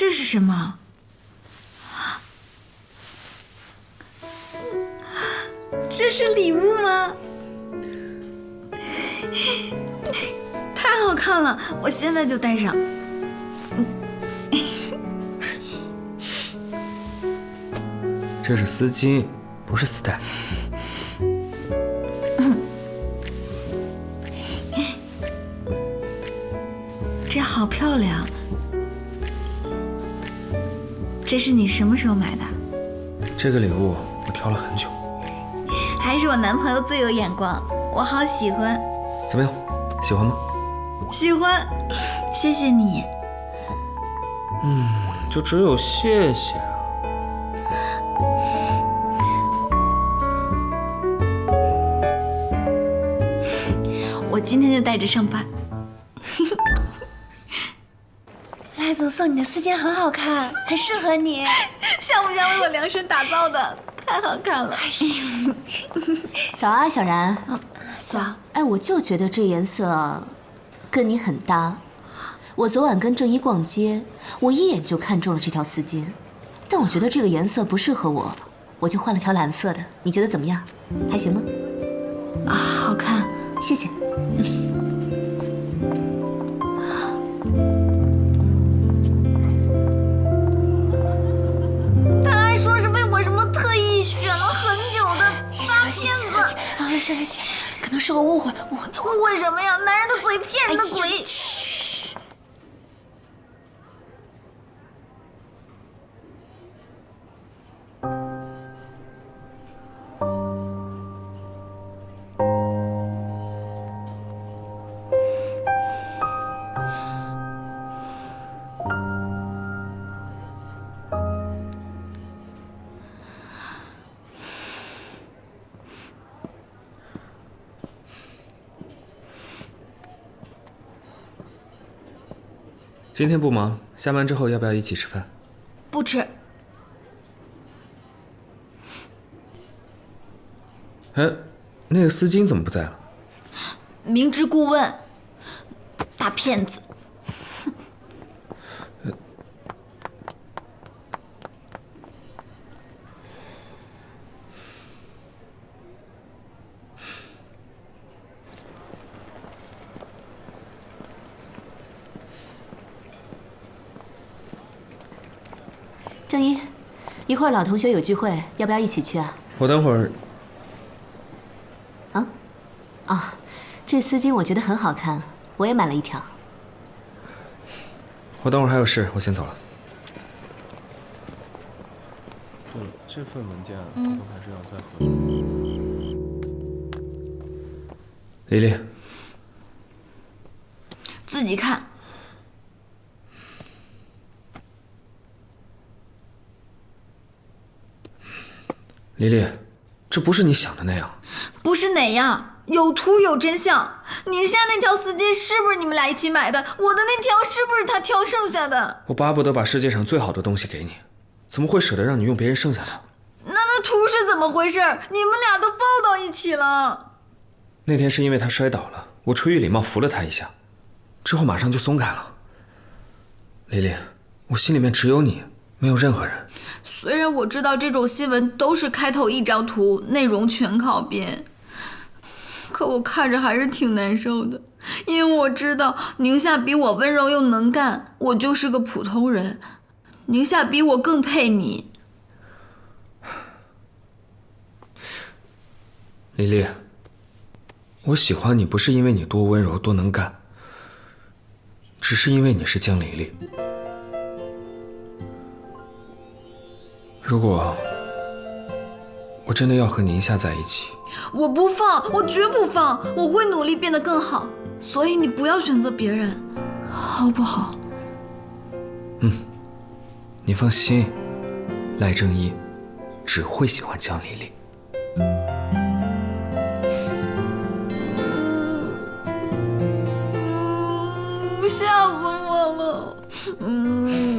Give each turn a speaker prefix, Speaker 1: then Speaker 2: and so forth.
Speaker 1: 这是什么？这是礼物吗？太好看了，我现在就戴上。
Speaker 2: 这是丝巾，不是丝带。
Speaker 1: 这好漂亮。这是你什么时候买的？
Speaker 2: 这个礼物我挑了很久。
Speaker 1: 还是我男朋友最有眼光，我好喜欢。
Speaker 2: 怎么样，喜欢吗？
Speaker 1: 喜欢，谢谢你。
Speaker 2: 就只有谢谢啊。
Speaker 1: 我今天就带着上班。
Speaker 3: 赖总送你的丝巾很好看，很适合你，
Speaker 1: 像不像为我量身打造的？太好看了。
Speaker 3: 早啊，小然。
Speaker 1: 早。
Speaker 3: 哎，我就觉得这颜色跟你很搭。我昨晚跟郑一逛街，我一眼就看中了这条丝巾，但我觉得这个颜色不适合我，我就换了条蓝色的。你觉得怎么样？还行吗？
Speaker 1: 啊，好看，
Speaker 3: 谢谢。
Speaker 1: 他还说是为我什么特意选了很久的大片子。
Speaker 3: 生气，可能是个误会。
Speaker 1: 误会什么呀？男人的嘴骗人的鬼。
Speaker 2: 今天不忙，下班之后要不要一起吃饭？
Speaker 1: 不吃。
Speaker 2: 哎，那个丝巾怎么不在了？
Speaker 1: 明知故问，大骗子。
Speaker 3: 郑一，一会儿老同学有聚会，要不要一起去啊？
Speaker 2: 我等会儿。
Speaker 3: 这丝巾我觉得很好看，我也买了一条。
Speaker 2: 我等会儿还有事，我先走了。
Speaker 4: 对了，这份文件都还是要再核。
Speaker 2: 丽丽，
Speaker 1: 自己看。
Speaker 2: 丽丽，这不是你想的那样。
Speaker 1: 不是哪样，有图有真相。宁夏那条丝巾是不是你们俩一起买的？我的那条是不是他挑剩下的？
Speaker 2: 我巴不得把世界上最好的东西给你，怎么会舍得让你用别人剩下的？
Speaker 1: 那图是怎么回事？你们俩都抱到一起了。
Speaker 2: 那天是因为他摔倒了，我出于礼貌扶了他一下，之后马上就松开了。丽丽，我心里面只有你，没有任何人。
Speaker 1: 虽然我知道这种新闻都是开头一张图，内容全靠编，可我看着还是挺难受的，因为我知道宁夏比我温柔又能干，我就是个普通人。宁夏比我更配你。
Speaker 2: 丽丽，我喜欢你不是因为你多温柔多能干，只是因为你是江丽丽。如果我真的要和宁夏在一起，
Speaker 1: 我不放，我绝不放，我会努力变得更好。所以你不要选择别人，好不好？
Speaker 2: 你放心，赖正一只会喜欢江丽丽。
Speaker 1: 吓死我了。